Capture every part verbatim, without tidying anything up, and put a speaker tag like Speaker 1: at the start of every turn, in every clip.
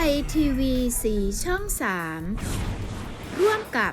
Speaker 1: ยทีวีสีช่องสามร่วมกับ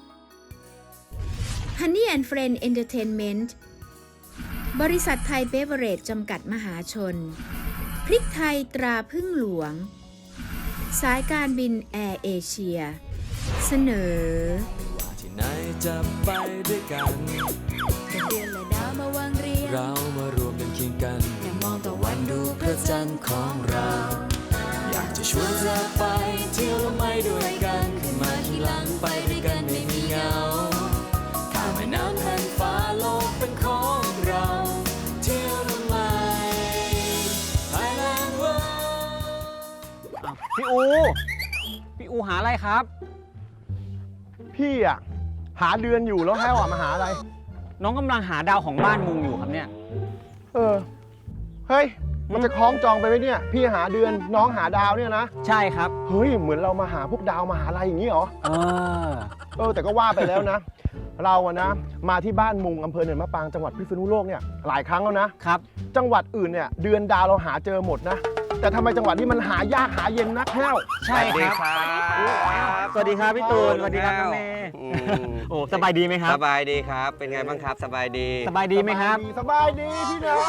Speaker 1: Honey and Friend Entertainment บริษัทไทยเบเวอเรจจำกัดมหาชนพริกไทยตราพึ่งหลวงสายการบินแอร์เอเชียเสนอ
Speaker 2: ที่ไหนจะไปด้วยกัน
Speaker 3: เดือนและดาวมาวางเรียง
Speaker 2: เรามารวมกันเคียงกัน
Speaker 3: อย่ามองตะวันดูพระจันทร์ของเรา
Speaker 2: อยากจะชวนเธอไปเที่ยวและไม่ด้วยกันขึ้นมาที่หลังไปด้วยกันไม่มีเหงาข้ามแม่น้ำแผ่านฟ้าโลกเป็นของเราเที่ยวและไม่ Thailand World
Speaker 4: พี่อูพี่อูหาอะไรครับ
Speaker 5: พี่อะหาเดือนอยู่แล้วแห้วอะมาหาอะไร
Speaker 4: น้องกำลังหาดาวของบ้านมุงอยู่ครับเนี่ย
Speaker 5: เออเฮ้ยมันจะคล้องจองไปไหมเนี่ยพี่หาเดือนน้องหาดาวเนี่ยนะ
Speaker 4: ใช่ครับ
Speaker 5: เฮ้ยเหมือนเรามาหาพวกดาวมาหาอะไรอย่างนี้เหรอ
Speaker 4: เออ
Speaker 5: เออแต่ก็ว่าไปแล้วนะเราอะนะมาที่บ้านมุงอำเภอเนินมะปรางจังหวัดพิษณุโลกเนี่ยหลายครั้งแล้วนะครับจังหวัดอื่นเนี่ยเดือนดาวเราหาเจอหมดนะแต่ทำไมจังหวัดนี้มันหายากหาเย็นนักแห้ว
Speaker 4: ใช่ครับสวัสดีครับพี่ตูนสวัสดีครับน้องเมย์โอ้สบายดีไหมครับ
Speaker 6: สบายดีครับเป็นไงบ้างครับสบายดี
Speaker 4: สบายดีไหมครับ
Speaker 5: สบายดีพี่น้อง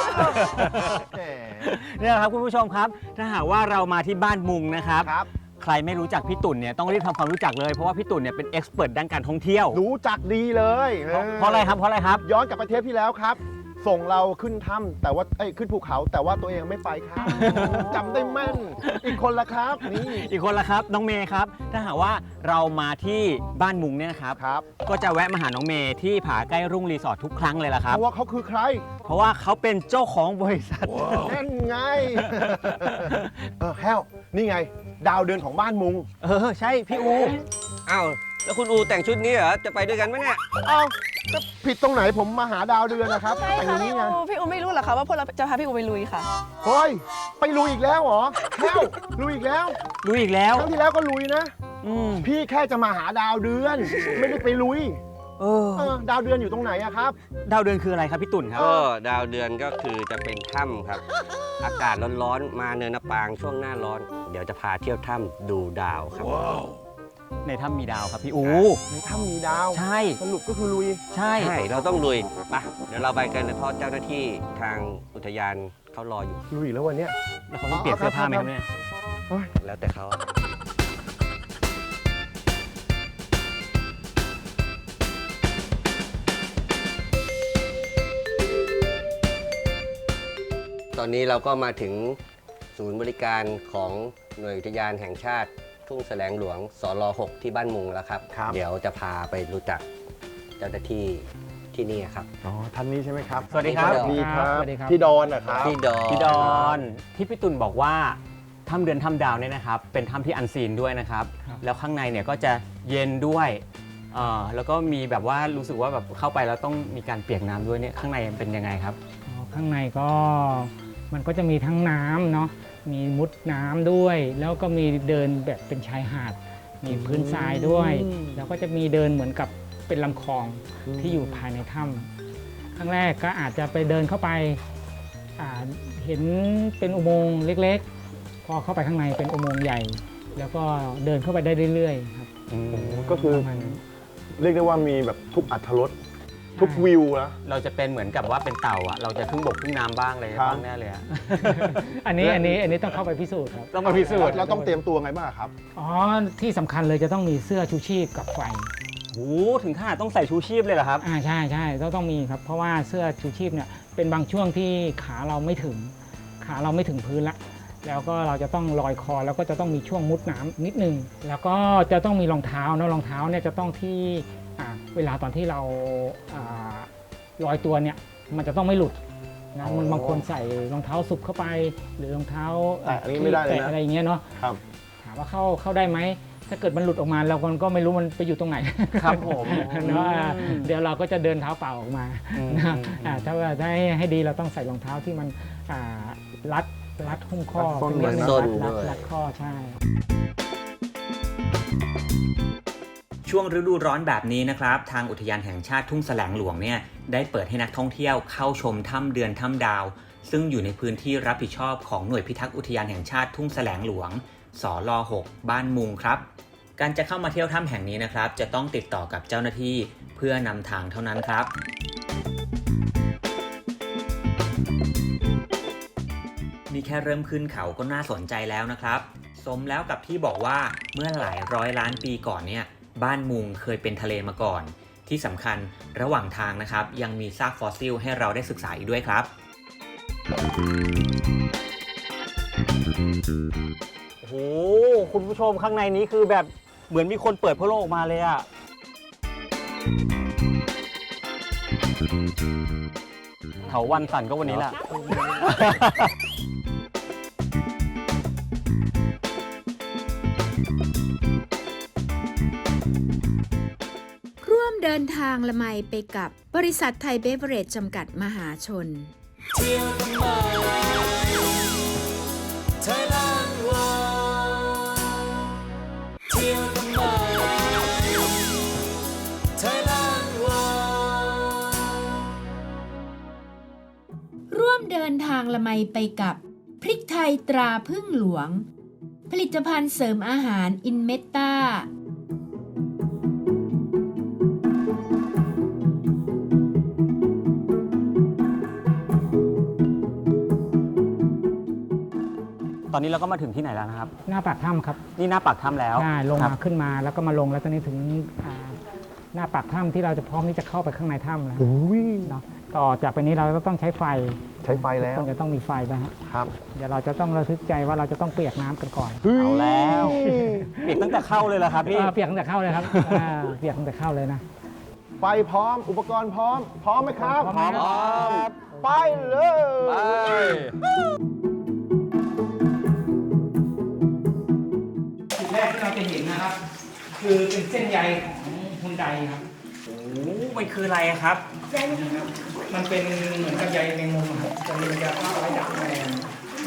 Speaker 4: เนี่ยครับคุณผู้ชมครับถ้าหากว่าเรามาที่บ้านมุงนะครับใครไม่รู้จักพี่ตุ่นเนี่ยต้องรีบทำความรู้จักเลยเพราะว่าพี่ตุ่นเนี่ยเป็นเอ็กซ์เพิร์ทด้านการท่องเที่ยว
Speaker 5: รู้จักดีเลย
Speaker 4: เพราะอะไรครับเพราะอะไรครับ
Speaker 5: ย้อนกลับไปเทปที่แล้วครับส่งเราขึ้นถ้ำแต่ว่าเอ้ยขึ้นภูเขาแต่ว่าตัวเองไม่ไปครับจำได้แม่นอีกคนละครับนี่
Speaker 4: อีกคนละครับน้องเมย์ครับถ้าหากว่าเรามาที่บ้านมุงเนี่ยนะครับ
Speaker 5: ครับ
Speaker 4: ก็จะแวะมาหาน้องเมย์ที่ผาใกล้รุ่งรีสอร์ททุกครั้งเลยล่ะครับ
Speaker 5: เพราะว่าเขาคือใคร
Speaker 4: เพราะว่าเขาเป็นเจ้าของบริษัท
Speaker 5: นั่นไงเออแฮวนี่ไงดาวเดือนของบ้านมุง
Speaker 4: เออใช่พี่อู
Speaker 6: อ้าวแล้วคุณอูแต่งชุดนี้เหรอจะไปด้วยกันไหมเนี่ย
Speaker 5: อ้าวจะผิดตรงไหนผมมาหาดาวเดือนนะครับ
Speaker 3: ใช่ค่ะพี่อูพี่อูไม่รู้หรอคะว่าพวกเราจะพาพี่อูไปลุยค่ะ
Speaker 5: เฮ้ยไปลุยอีกแล้วเหรอแฮวลุยอีกแล้ว
Speaker 4: ลุยอีกแล้ว
Speaker 5: ครั้งที่แล้วก็ลุยนะพี่แค่จะมาหาดาวเดือนไม่ได้ไปลุย
Speaker 4: เออ
Speaker 5: ดาวเดือนอยู่ตรงไหนอะครับ
Speaker 4: ดาวเดือนคืออะไรครับพี่ตุ่นครับ
Speaker 6: ก็ดาวเดือนก็คือจะเป็นถ้ำครับอากาศร้อนๆมาเนินมะปรางช่วงหน้าร้อนเดี๋ยวจะพาเที่ยวถ้ำดูดาวครับ
Speaker 4: ในถ้ำมีดาวครับพี่อู
Speaker 5: ในถ้ำมีดาว
Speaker 4: ใช่
Speaker 5: สรุปก็คือลุย
Speaker 4: ใช่
Speaker 6: ใช่เราต้องลุยไปเดี๋ยวเราไปกันเลยเพราะเจ้าหน้าที่ทางอุทยานเขารออยู่
Speaker 5: ลุยแล้ววันนี้
Speaker 4: แล้วเขาต้องเปลี่ยนเสื้อผ้าไหมครับเนี่ย
Speaker 6: แล้วแต่เขาตอนนี้เราก็มาถึงศูนย์บริการของหน่วยอุทยานแห่งชาติทุ่งแสลงหลวงสรหกที่บ้านมุงแล้วครับเดี๋ยวจะพาไปรู้จักเจ้าหน้าที่ที่นี่ครับ
Speaker 5: อ๋อท่านนี้ใช่ไหมครับ
Speaker 4: สวัสดีครับ
Speaker 5: สวัสดีครับพี่ดอนนะครับ
Speaker 6: พี่ดอน
Speaker 4: พี่ดอนที่พี่ตุ่นบอกว่าถ้ำเดือนถ้ำดาวเนี่ยนะครับเป็นถ้ำที่อันซีนด้วยนะครับแล้วข้างในเนี่ยก็จะเย็นด้วยแล้วก็มีแบบว่ารู้สึกว่าแบบเข้าไปแล้วต้องมีการเปียกน้ำด้วยเนี่ยข้างในเป็นยังไงครับ
Speaker 7: ข้างในก็มันก็จะมีทั้งน้ำเนาะมีมุดน้ำด้วยแล้วก็มีเดินแบบเป็นชายหาดมีพื้นทรายด้วยแล้วก็จะมีเดินเหมือนกับเป็นลำคลองที่อยู่ภายในถ้ำครั้งแรกก็อาจจะไปเดินเข้าไปเห็นเป็นอุโมงค์เล็กๆพอเข้าไปข้างในเป็นอุโมงค์ใหญ่แล้วก็เดินเข้าไปได้เรื่อยๆครับ
Speaker 5: ก็คือเรียกได้ว่ามีแบบทุกอรรถรสทุกวิวนะ
Speaker 4: เราจะเป็นเหมือนกับว่าเป็นเต่าอะเราจะครึ่งบกครึ่งน้ำบ้างอะไรบ้างแน่เลยอะ
Speaker 7: อันนี้อันนี้อันนี้ต้องเข้าไปพิสูจน์ครับ
Speaker 4: ต้องมาพิสูจน์
Speaker 5: เราต้องเตรียมตัวไงบ้างครับ
Speaker 7: อ๋อที่สำคัญเลยจะต้องมีเสื้อชูชีพกับไฟ
Speaker 4: โอ้ถึงขนาดต้องใส่ชูชีพเลยเหรอครับ
Speaker 7: อ่าใช่ใช่ต้องต้องมีครับเพราะว่าเสื้อชูชีพเนี่ยเป็นบางช่วงที่ขาเราไม่ถึงขาเราไม่ถึงพื้นละแล้วก็เราจะต้องลอยคอแล้วก็จะต้องมีช่วงมุดน้ำนิดนึงแล้วก็จะต้องมีรองเท้าเนาะรองเท้าเนี่ยจะต้องที่เวลาตอนที่เราลอยตัวเนี่ยมันจะต้องไม่หลุดนะมันบางคนใส่รองเท้าสุบเข้าไปหรือรองเท้า
Speaker 5: แต่อันนี้ไม่ได้เลยนะ
Speaker 7: อะไรอย่างเงี้ยเนาะถามว่าเข้าเข้าได้ไหมถ้าเกิดมันหลุดออกมาเราก็ไม่รู้มันไปอยู่ตรงไหน
Speaker 4: ครับผม
Speaker 7: เนาะเดี๋ยวเราก็จะเดินเท้าเปล่าออกมาถ้าว่าให้ให้ดีเราต้องใส่รองเท้าที่มันรัดรัดหุ้มข้อ
Speaker 6: รัด
Speaker 7: รัดข้อใช่
Speaker 8: ช่วงฤดูร้อนแบบนี้นะครับทางอุทยานแห่งชาติทุ่งแสลงหลวงเนี่ยได้เปิดให้นักท่องเที่ยวเข้าชมถ้ำเดือนถ้ำดาวซึ่งอยู่ในพื้นที่รับผิดชอบของหน่วยพิทักษ์อุทยานแห่งชาติทุ่งแสลงหลวงสลหกบ้านมุงครับการจะเข้ามาเที่ยวถ้ำแห่งนี้นะครับจะต้องติดต่อกับเจ้าหน้าที่เพื่อนำทางเท่านั้นครับนี่แค่เริ่มขึ้นเขาก็น่าสนใจแล้วนะครับสมแล้วกับที่บอกว่าเมื่อหลายร้อยล้านปีก่อนเนี่ยบ้านมุงเคยเป็นทะเลมาก่อนที่สำคัญระหว่างทางนะครับยังมีซากฟอสซิลให้เราได้ศึกษาอีกด้วยครับ
Speaker 4: โอ้โหคุณผู้ชมข้างในนี้คือแบบเหมือนมีคนเปิดพระโลกออกมาเลยอะเถาวันสั่นก็วันนี้แหละ
Speaker 1: ร่วมเดินทางละไมไปกับบริษัทไทยเบเวอเรจจำกัดมหาชน
Speaker 2: เที่ยวทำไมไทยแลนด์วอเที่ยวทำไมไทยแลนด์วอ
Speaker 1: ร่วมเดินทางละไมไปกับพริกไทยตราพึ่งหลวง ผลิตภัณฑ์เสริมอาหารอินเมตตา
Speaker 4: ตอนนี้เราก็มาถึงที่ไหนแล้วนะครับ
Speaker 7: หน้าปากถ้ำครับ
Speaker 4: นี่หน้าปากถ้ำแล้ว
Speaker 7: ใช่ลง
Speaker 4: ครั
Speaker 7: มา
Speaker 4: บ
Speaker 7: ขึ้นมาแล้วก็มาลงแล้วตอนนี้ถึงอ่าหน้าปากถ้ำที่เราจะพร้อมที่จะเข้าไปข้างในถ้ำแล้ว
Speaker 5: อุ้ย
Speaker 7: เนาะต่อจากไปนี้เราก็ต้องใช้ไฟ
Speaker 5: ใช้ไฟแล้ว
Speaker 7: ต้องจะต้องมีไฟนะฮะ
Speaker 5: ครับ
Speaker 7: เดี๋ยวเราจะต้องระทึกใจว่าเราจะต้องเปียกน้ำกันก่อน
Speaker 4: เอาแล้วเปียกตั้งแต่เข้าเลยเหรอครับพี่
Speaker 7: เออเปียกตั้งแต่เข้าเลยครับอ่าเปียกตั้งแต่เข้าเลยนะ
Speaker 5: ไฟพร้อมอุปกรณ์พร้อม พร้อมไหมครับ
Speaker 7: พร้อมไหมครับ
Speaker 5: ไปเลย
Speaker 7: จุดแรกที่เราจะเห็นนะครับ คือเป็นเส้นใยของฮุนไดครับ
Speaker 8: โอ้มันคืออะไรครับ
Speaker 7: มันเป็นเหมือนกับใยแมงมุมอะครับจะมียาฆ่าไว้ดักแมลง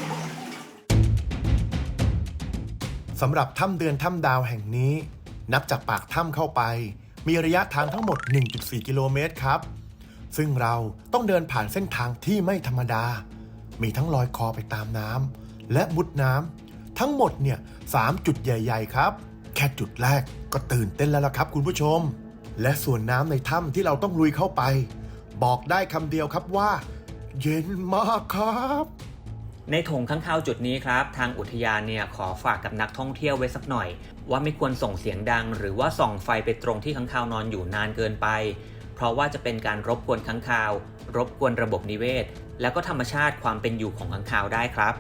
Speaker 9: สำหรับถ้ำเดือนถ้ำดาวแห่งนี้ นับจากปากถ้ำเข้าไป มีระยะทางทั้งหมด หนึ่งจุดสี่ กิโลเมตรครับ ซึ่งเราต้องเดินผ่านเส้นทางที่ไม่ธรรมดา มีทั้งลอยคอไปตามน้ำและมุดน้ำทั้งหมดเนี่ยสามจุดใหญ่ ๆ ครับ แค่จุดแรกก็ตื่นเต้นแล้วล่ะครับคุณผู้ชม และส่วนน้ำในถ้ำที่เราต้องลุยเข้าไป บอกได้คำเดียวครับว่า เย็นมากครับ
Speaker 8: ในโถงข้างคาวจุดนี้ครับทางอุทยานเนี่ยขอฝากกับนักท่องเที่ยวไว้สักหน่อย ว่าไม่ควรส่งเสียงดัง หรือว่าส่องไฟไปตรงที่ค้างคาวนอนอยู่นานเกินไป เพราะว่าจะเป็นการรบกวนค้างคาว รบกวนระบบนิเวศ แล้วก็ธรรมชาติความเป็นอยู่ของค้างคาวได้ครับ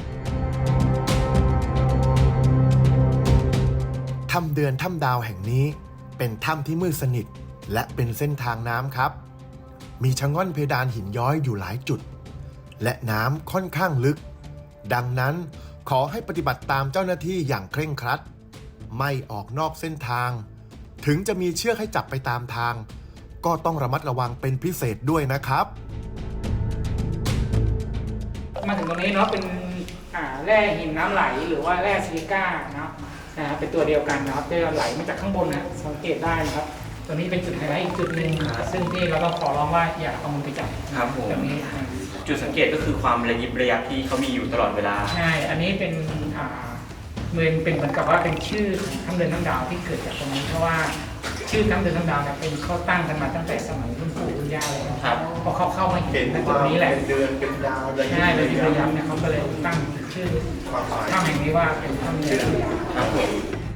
Speaker 9: ถ้ำเดือนถ้ำดาวแห่งนี้เป็นถ้ำที่มืดสนิทและเป็นเส้นทางน้ำครับ มีชะง่อนเพดานหินย้อยอยู่หลายจุด และน้ำค่อนข้างลึก ดังนั้นขอให้ปฏิบัติตามเจ้าหน้าที่อย่างเคร่งครัด ไม่ออกนอกเส้นทาง ถึงจะมีเชือกให้จับไปตามทาง ก็ต้องระมัดระวังเป็นพิเศษด้วยนะครับ
Speaker 7: มาถึงตรงนี้เนาะเป็นอ่าแร่หินน้ำไหลหรือว่าแร่ซิลิก้าเนาะนะครับเป็นตัวเดียวกันนะครับจะไหลมาจากข้างบนนะสังเกตได้นะครับตัวนี้เป็นจุดไฮไลท์อีกจุดหนึ่งซึ่งที่เราต้องขอร้องว่าอย่าเอามือไปจับ
Speaker 8: ครับผม
Speaker 7: ตรงนี้อ่า
Speaker 8: จุดสังเกตก็คือความระยิบระยับที่เขามีอยู่ตลอดเวลา
Speaker 7: ใช่อันนี้เป็นอ่าเหมือนเป็นเหมือนกับว่าเป็นชื่อของถ้ำเดินถ้ำดาวที่เกิดจากตรงนี้เพราะว่าชื่อถ้ำเดินถ้ำดาวเนี่ยเป็นเขาตั้งกันมาตั้งแต่สมัยรุ่นปู่รุ่นย่าเลยนะครับ พอเขาเข้ามาเห็นในจุดนี้แหละ
Speaker 5: เดือนเป็นดาวระยิบ
Speaker 7: ใช่เลยที่ระยำเนี่ยเขาก็เลยตั้งชื่อถ้ำแห่งนี้ว่าเป็นถ้ำเดินถ้ำดาว
Speaker 8: ครับผม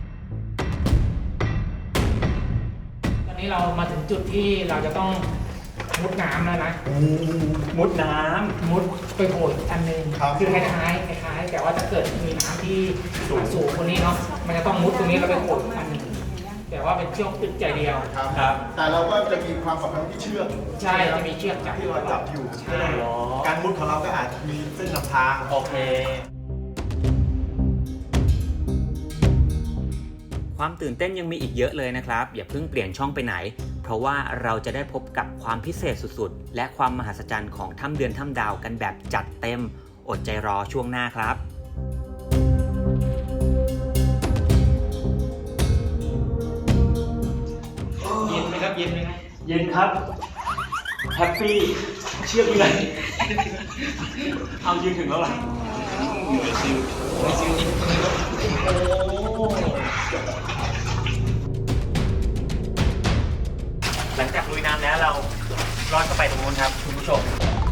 Speaker 7: ตอนนี้เรามาถึงจุดที่เราจะต้องมุดน้ำแล้วนะ
Speaker 8: มุดน้ำ
Speaker 7: มุดไปโผล่อีกอันหนึง
Speaker 5: ครับ
Speaker 7: คือคล้ายๆคล้ายๆแต่ว่าถ้าเกิดมีน้ำที่สูงกว่านี้เนาะมันจะต้องมุดตรงนี้แล้วไปโผล่อีกอันหนึงแต่ว่าเป็นเชือกตึกใจเดียว
Speaker 8: ครับ
Speaker 5: แต่เราก็จะมีความสำคัญที่เชือก
Speaker 7: ใช่จะมีเชือกจับ
Speaker 5: ที่เราจับอยู่
Speaker 7: ใช่
Speaker 5: การมุดของเราก็อาจมีเส้นนำทาง
Speaker 8: โอเค ความตื่นเต้นยังมีอีกเยอะเลยนะครับ อย่าเพิ่งเปลี่ยนช่องไปไหน เพราะว่าเราจะได้พบกับความพิเศษสุดๆ และความมหัศจรรย์ของถ้ำเดือนถ้ำดาวกันแบบจัดเต็ม อดใจรอช่วงหน้าครับ
Speaker 7: เย็นไหมครับเย็นไหมครับ
Speaker 8: เย็นครับ แฮปปี้ เชื่อเลย เอายืนถึงแล้วล่ะหลังจากลุยน้ำแล้วเราลอดเข้าไปตรงนู้นครับคุณผู้ชม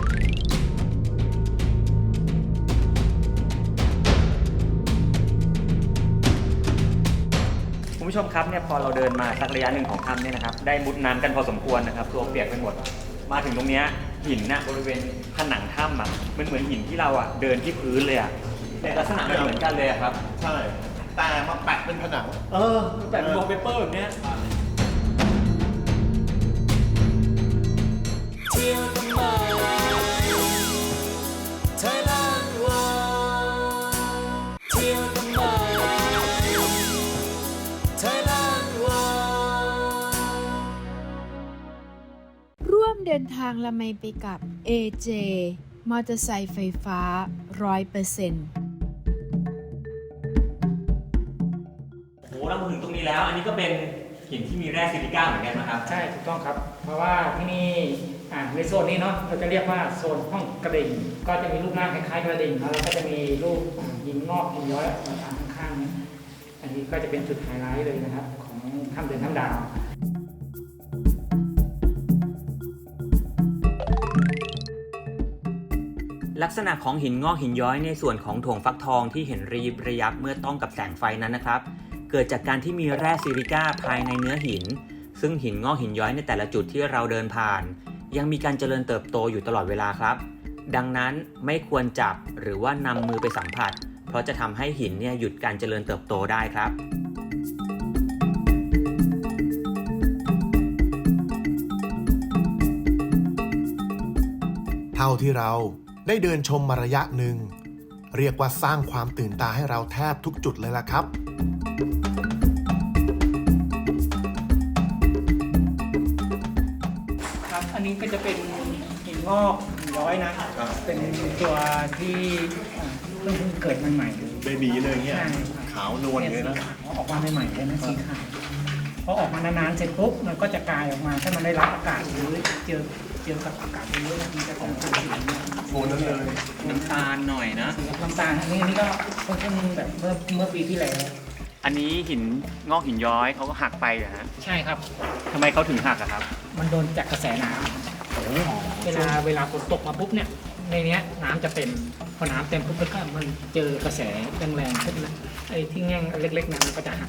Speaker 8: คุณผู้ชมครับเนี่ยพอเราเดินมาสักระยะหนึ่งของถ้ำเนี่ยนะครับได้มุดน้ำกันพอสมควรนะครับตัวเปียกไปหมดมาถึงตรงเนี้ยหินน่ะบริเวณผนังถ้ำอ่ะมันเหมือนหินที่เราอ่ะเดินที่พื้นเลยอ่ะแต่ลักษณะมันเหมือนกันเลยอะครับ
Speaker 5: ใช่แต่มาแปะเป็นผนัง
Speaker 8: เออแปะเป็นวอลเปเปอร์แบบเนี้ย
Speaker 2: เที่ยวทำไมไทยแลนด์วอเที่ยวทำไมไทยแลนด์วอ
Speaker 1: ร่วมเดินทางละไมไปกับ เอ เจ มอเตอร์ไซค์ไฟฟ้า ร้อยเปอร์เซ็นต์
Speaker 8: โอ้เรามาถึงตรงนี้แล้วอันนี้ก็เป็นหินที่มีแร่ซิลิก้าเหมือนกันนะครับ
Speaker 7: ใช่ถูกต้องครับเพราะว่าที่นี่อ่าในโซนนี้เนาะเราจะเรียกว่าโซนห้องกระดิ่งก็จะมีรูปร่างคล้ายๆกระดิ่งแล้วก็จะมีรูปหินงอกหินย้อยมาตามข้างๆนี้อันนี้ก็จะเป็นจุดไฮไลท์เลยนะครับของถ้ำเดินถ้ำดาว
Speaker 8: ลักษณะของหินงอกหินย้อยในส่วนของโถงฟักทองที่เห็นระยิบระยับเมื่อต้องกับแสงไฟนั้นนะครับเกิดจากการที่มีแร่ซิลิก้าภายในเนื้อหินซึ่งหินงอกหินย้อยในแต่ละจุดที่เราเดินผ่านยังมีการเจริญเติบโตอยู่ตลอดเวลาครับดังนั้นไม่ควรจับหรือว่านำมือไปสัมผัสเพราะจะทำให้หินเนี่ยหยุดการเจริญเติบโตได้ครับ
Speaker 9: เท่าที่เราได้เดินชมมาระยะหนึ่งเรียกว่าสร้างความตื่นตาให้เราแทบทุกจุดเลยล่ะครับ
Speaker 7: ครับอันนี้ก็จะเป็นหินงอกหินย้อยนะเป็นตัวที่เพิ่งเกิดใหม่ๆเบบีเลยเงี้ยขาวนวลเลยนะออกมาใหม่ๆเลยนะสีขาวพอออกมานานๆเสร็จปุ๊บมันก็จะกลายออกมาถ้ามันได้รับอากาศหรือเจอเจอกับอากาศเยอะๆมันจะของตัวสี
Speaker 5: โฟนนั่นเลย
Speaker 8: น้ำตาลหน่อยนะ
Speaker 7: น้ำตาลอันนี้อันนี้ก็เพิ่งแบบเมื่อเมื่อปีที่แล้ว
Speaker 8: อันนี้หินงอกหินย้อยเขาก็หักไปเหรอฮะ
Speaker 7: ใช่ครับ
Speaker 8: ทำไมเขาถึงหักอะครับ
Speaker 7: มันโดนจากกระแสน้ำเวลาเวลาฝนตกมาปุ๊บเนี่ยในนี้น้ำจะเต็มพอน้ำเต็มปุ๊บแล้วก็มันเจอกระแสแรงๆขึ้นนะไอ้ที่แง่งเล็กๆนั้นก็จะหัก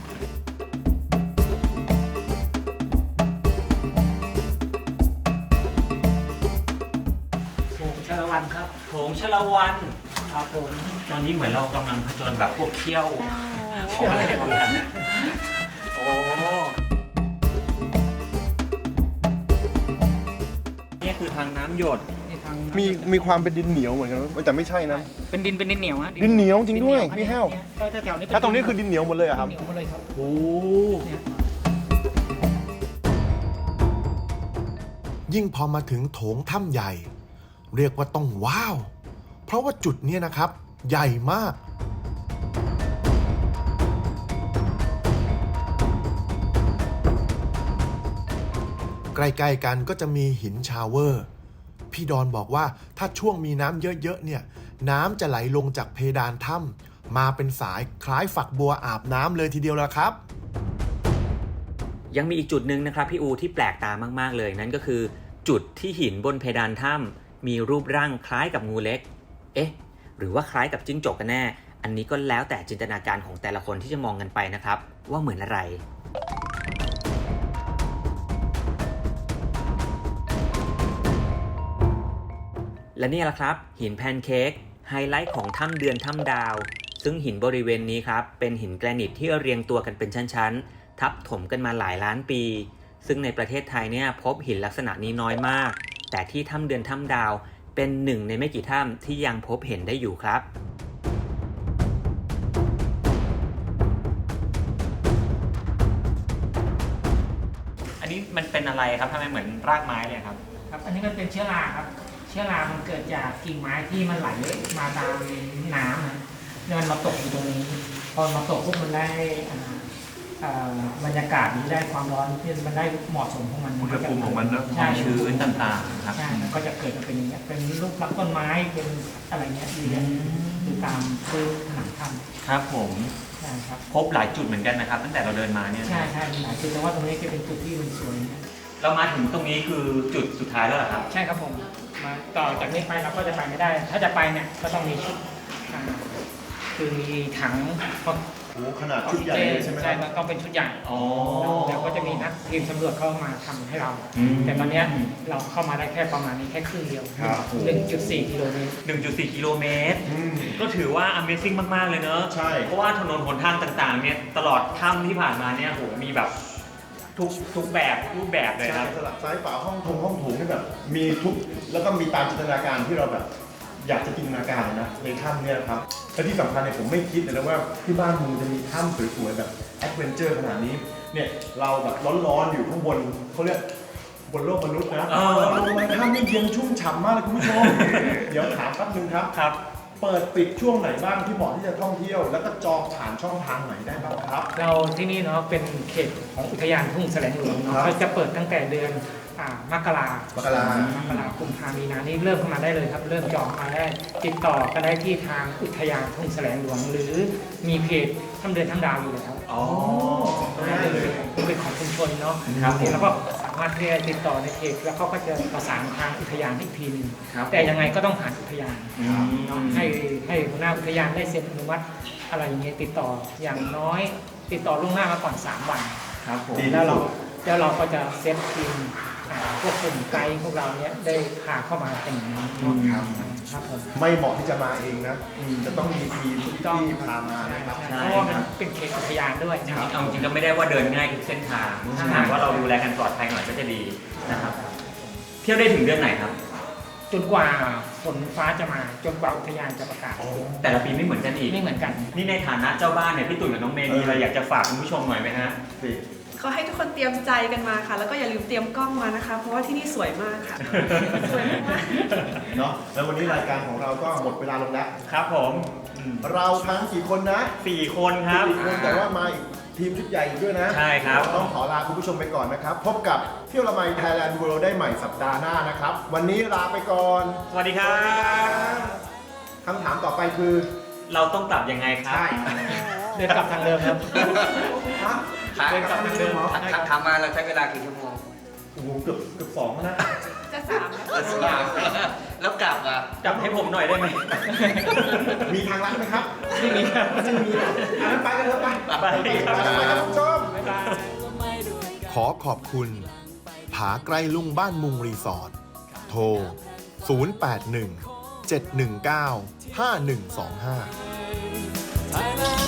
Speaker 7: โถงชลวันครับ
Speaker 8: โถงชลวัน
Speaker 7: ครับผม
Speaker 8: ตอนนี้เหมือนเรากำลังผจญแบบพวกเขี้ยวของอะไรเหมือนกันโอ้นี่คือทางน้ำหยด
Speaker 5: มีมีความเป็นดินเหนียวเหมือนกันแต่ไม่ใช่นะ
Speaker 7: เป็นดินเป็นดินเหนียวฮะ
Speaker 5: ดินเหนียวจริงด้วยพี่แห้วถ้าตรงนี้คือดินเหนียวหมดเลยอะครับ
Speaker 7: เหนียวหมดเลยครับ
Speaker 5: โอ้
Speaker 9: ยิ่งพอมาถึงโถงถ้ำใหญ่เรียกว่าต้องว้าวเพราะว่าจุดนี้นะครับใหญ่มากใกล้ๆกันก็จะมีหินชาวเวอร์พี่ดอนบอกว่าถ้าช่วงมีน้ำเยอะๆเนี่ยน้ำจะไหลลงจากเพดานถ้ำมาเป็นสายคล้ายฝักบัวอาบน้ำเลยทีเดียวละครับ
Speaker 8: ยังมีอีกจุดหนึ่งนะครับพี่อูที่แปลกตามากๆเลยนั่นก็คือจุดที่หินบนเพดานถ้ำมีรูปร่างคล้ายกับงูเล็กเอ๊ะหรือว่าคล้ายกับจิ้งจกกันแน่อันนี้ก็แล้วแต่จินตนาการของแต่ละคนที่จะมองกันไปนะครับว่าเหมือนอะไรและนี่แหละครับหินแพนเค้กไฮไลท์ของถ้ำเดือนถ้ำดาวซึ่งหินบริเวณนี้ครับเป็นหินแกรนิตที่เรียงตัวกันเป็นชั้นๆทับถมกันมาหลายล้านปีซึ่งในประเทศไทยเนี่ยพบหินลักษณะนี้น้อยมากแต่ที่ถ้ำเดือนถ้ำดาวเป็นหนึ่งในไม่กี่ถ้ำที่ยังพบเห็นได้อยู่ครับอันนี้มันเป็นอะไรครับทำไมเหมือนรากไม้เลยครับ
Speaker 7: ครับอันนี้มันเป็นเชื้อราครับเชื้อรามันเกิดจากกิ่งไม้ที่มันไหลมาตามน้ำนะแล้วมันมาตกอยู่ตรงนี้พอมาตกปุ๊บมันได้บรรยากาศนี้ได้ความร้อนที่มันได้เหมาะสมของมัน
Speaker 5: อุณหภูมิของมันนะ
Speaker 7: ความ
Speaker 8: ชื้นต่างๆครับ
Speaker 7: ใช่ก็จะเกิดมาเป็นอย่างเงี้ยเป็นรูปลักษณ์ต้นไม้เป็นอะไรเงี้ยอยู่เนี่ยคือตามพื้นผนังถ้
Speaker 8: ครับผม
Speaker 7: ำใช่ครับ
Speaker 8: พบหลายจุดเหมือนกันนะครับ ตั้งแต่เราเดินมาเนี่ย
Speaker 7: ใช่ใช่มีหลายจุดแต่ว่าตรงนี้จะเป็นจุดที่มันสวยนะ
Speaker 8: เรามาถึงตรงนี้คือจุดสุดท้ายแล้วเหรอครับ
Speaker 7: ใช่ครับผมมาต่อจากนี้ไปเราก็จะไปไม่ได้ ถ้าจะไปเนี่ยก็ต้องมีชุดอ่าคือมีถัง
Speaker 5: โอ้ขนาดชุดใหญ่เลยใช่ไหมค
Speaker 7: ใช่
Speaker 5: รับ
Speaker 7: มันต้องเป็นชุดใหญ่
Speaker 8: อ๋อ
Speaker 7: แล้วก็จะมีนักทีมสำรวจเข้ามาทำให้เรา
Speaker 8: อืม
Speaker 7: แต่ตอนเนี้ยเราเข้ามาได้แค่ประมาณนี้แค่ครึ่งเดียว
Speaker 5: ครับ
Speaker 7: หนึ่งจุดสี่กิโลเมตร
Speaker 8: หนึ่งจุดสี่ กิโลเมตร
Speaker 5: อืม
Speaker 8: ก็ถือว่า Amazing มาก ๆ เลยเนอะ
Speaker 5: ใช่
Speaker 8: เพราะว่าถนนหนทางต่าง ๆ เนี่ย ตลอดถ้ำที่ผ่านมาเนี่ยโหมีแบบทุกทุกแบบรูปแบบเลยค
Speaker 5: ใช่
Speaker 8: รับ
Speaker 5: สลับซ้ายฝาห้องทงห้องโถงนี่แบบ มีทุกแล้วก็มีตามจินตนาการที่เราแบบ อยากจะจินตนาการนะในถ้ำเนี่ยครับและที่สำคัญเนี่ยผมไม่คิดเลยนะว่าที่บ้านมึงจะมีถ้ำสวยๆแบบแอดเวนเจอร์ขนาดนี้เนี่ยเราแบบร้อนๆอยู่ข้างบนเขาเรียกบนโลกมนุษย์นะ
Speaker 8: เออ
Speaker 5: เราลงมาถ้ำนี่เย็นชุ่มฉ่ำมากเลยคุณผู้ชม เดี๋ยวถามแป๊บนึงครับ
Speaker 8: ครับ
Speaker 5: เปิดปิดช่วงไหนบ้างที่เหมาะที่จะท่องเที่ยว แล้วก็จองผ่านช่องทางไหนได้บ้างครับ
Speaker 7: เราที่นี่เนาะเป็นเขตของอุทยานทุ่งแสลงหลวง
Speaker 5: ครั
Speaker 7: เนาะ
Speaker 5: บ
Speaker 7: ก็จะเปิดตั้งแต่เดือนอ่ามกราม
Speaker 5: กราม
Speaker 7: กรากุมภามีนานี่เริ่มเข้ามาได้เลยครับ เริ่มจองมาได้ติดต่อก็ได้ที่ทางอุทยานทุ่งแสลงหลวง หรือมีเพจถ้ำเดือนถ้ำดาวอยู่แล้ว
Speaker 8: อ๋อ
Speaker 7: ได้เลยเป็นของชุมชนเนาะ
Speaker 8: ครับผม
Speaker 7: แล้วก็สามารถที่จะติดต่อในเพจแล้วเขาก็จะประสานทางอุทยานอีกทีหนึง
Speaker 8: ครับ
Speaker 7: แต่ยังไงก็ต้องผ่านอุทยาน
Speaker 8: อืม
Speaker 7: ให้ให้หัวหน้าอุทยานได้เซ็นอนุมัติอะไรอย่างเงี้ยติดต่ออย่างน้อยติดต่อล่วงหน้ามาก่อนสามวัน
Speaker 8: ครับผม
Speaker 5: ดี
Speaker 7: แล้วเราแล้วเราก็จะเซตทีมอ่าพวกกลุ่มไกด์พวกเราเนี้ยได้พาเข้ามาเป็นอย่างนี้เนาะ
Speaker 5: ครับ
Speaker 7: ครับผม
Speaker 5: ไม่เหมาะที่จะมาเองนะ จะต้องมีทีมที่พามานะครับ
Speaker 8: ใช่
Speaker 7: เพราะว่ามันเป็นเขตอุทยานด้วยนะครับ
Speaker 8: เอาจริงๆก็ไม่ได้ว่าเดินง่ายทุกเส้นทางถ้าหากว่าเราดูแลกันปลอดภัยหน่อยก็จะดีนะครับ เที่ยวได้ถึงเดือนไหนครับ
Speaker 7: จนกว่าฝนฟ้าจะมาจนกว่าอุทยานจะประกาศ
Speaker 8: แต่ละปีไม่เหมือนกันอีก
Speaker 7: ไม่เหมือนกัน
Speaker 8: นี่ในฐานะเจ้าบ้านเนี่ยพี่ตุ๋ยกับน้องเมย์มีอะไรอยากจะฝากคุณผู้ชมหน่อยไหมฮะ
Speaker 10: ก็ให้ทุกคนเตรียมใจกันมาค่ะ แล้วก็อย่าลืมเตรียมกล้องมานะคะ เพราะว่าที่นี่สวยมากค่ะ สวยมาก
Speaker 5: เนาะแล้ววันนี้รายการของเราก็หมดเวลาลงแล้ว
Speaker 8: ครับผมอืม
Speaker 5: เราทั้งกี่คนนะ
Speaker 8: สี่คนครับ
Speaker 5: สี่คนแต่ว่ามาอีกทีมชุดใหญ่อีกด้วยนะ
Speaker 8: ใช่ครับ
Speaker 5: ต้องขอลาคุณผู้ชมไปก่อนนะครับ พบกับเที่ยวละไม Thailand World ได้ใหม่สัปดาห์หน้านะครับ วันนี้ลาไปก่อน
Speaker 8: สวัสดีครับ
Speaker 5: คำถามต่อไปคือ
Speaker 8: เราต้องกลับยังไงครับ
Speaker 5: ใช่
Speaker 7: เดินกลับทางเดิมครับ
Speaker 5: ฮะ
Speaker 6: ครับ
Speaker 5: เดินกลับทางเดิมเหรอ
Speaker 6: ทำทำมาเราใช้เวลากี่ชั่วโมง
Speaker 5: โอ้โหเกือบเกือบสองแล้วนะ
Speaker 10: จะสามแล้ว
Speaker 6: แล้วกลับอ่ะ
Speaker 8: กลับให้ผมหน่อยได้ไหม
Speaker 5: มีทางลัดไหมครับ
Speaker 7: ไม่มีครับ
Speaker 5: ไม่มีอ่ะอันนั้นไปกันเถอะไป
Speaker 8: ไปครับ
Speaker 5: ไปกันครับคุณผู้ชม
Speaker 7: บ๊ายบาย
Speaker 9: ขอขอบคุณ ผาไกลลุงบ้านมุงรีสอร์ท โทร ศูนย์ แปด หนึ่ง เจ็ด หนึ่ง เก้า ห้า หนึ่ง สอง ห้า
Speaker 2: Thailand